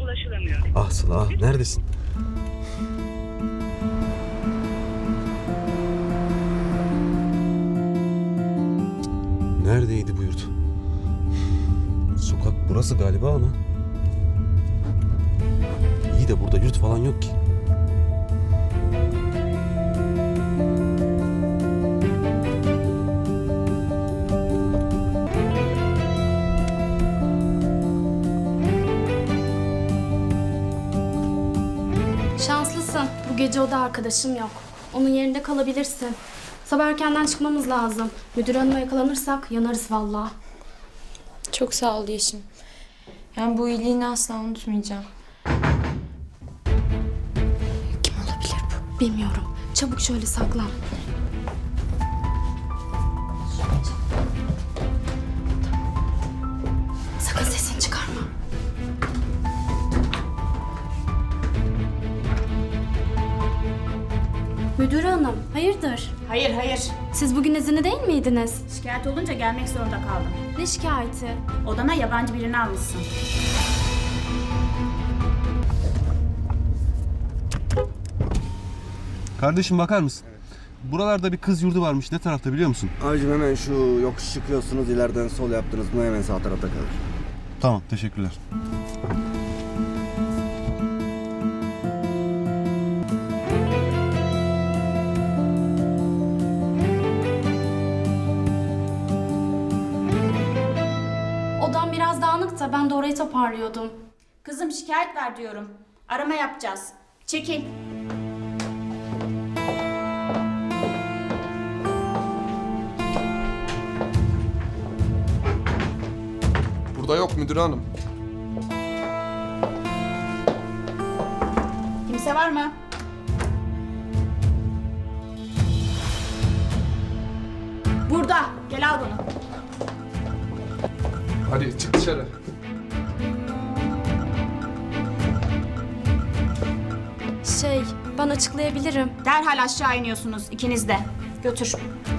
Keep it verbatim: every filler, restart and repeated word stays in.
ulaşılamıyor. Ah Sıla, ah, neredesin? Neredeydi bu yurt? Sokak burası galiba ama. İyi de burada yurt falan yok ki. Şanslısın. Bu gece oda arkadaşım yok. Onun yerinde kalabilirsin. Sabah erkenden çıkmamız lazım. Müdür hanıma yakalanırsak yanarız vallahi. Çok sağ ol Yeşim. Yani bu iyiliğini asla unutmayacağım. Kim olabilir bu? Bilmiyorum. Çabuk şöyle saklan. Sakın sesini çıkarma. Müdür hanım, hayırdır? Hayır hayır. Siz bugün izinli değil miydiniz? Şikayet olunca gelmek zorunda kaldım. Ne şikayeti? Odana yabancı birini almışsın. Kardeşim bakar mısın? Buralarda bir kız yurdu varmış. Ne tarafta biliyor musun? Abicim hemen şu yokuş çıkıyorsunuz, ileriden sol yaptınız mı hemen sağ tarafta kalır. Tamam, teşekkürler. Odam biraz dağınık da ben de orayı toparlıyordum. Kızım şikayet ver diyorum. Arama yapacağız. Çekil. Burada yok müdür hanım. Kimse var mı? Burada. Gel al bunu. Hadi çık dışarı. Şey, ben açıklayabilirim. Derhal aşağı iniyorsunuz ikiniz de. Götür.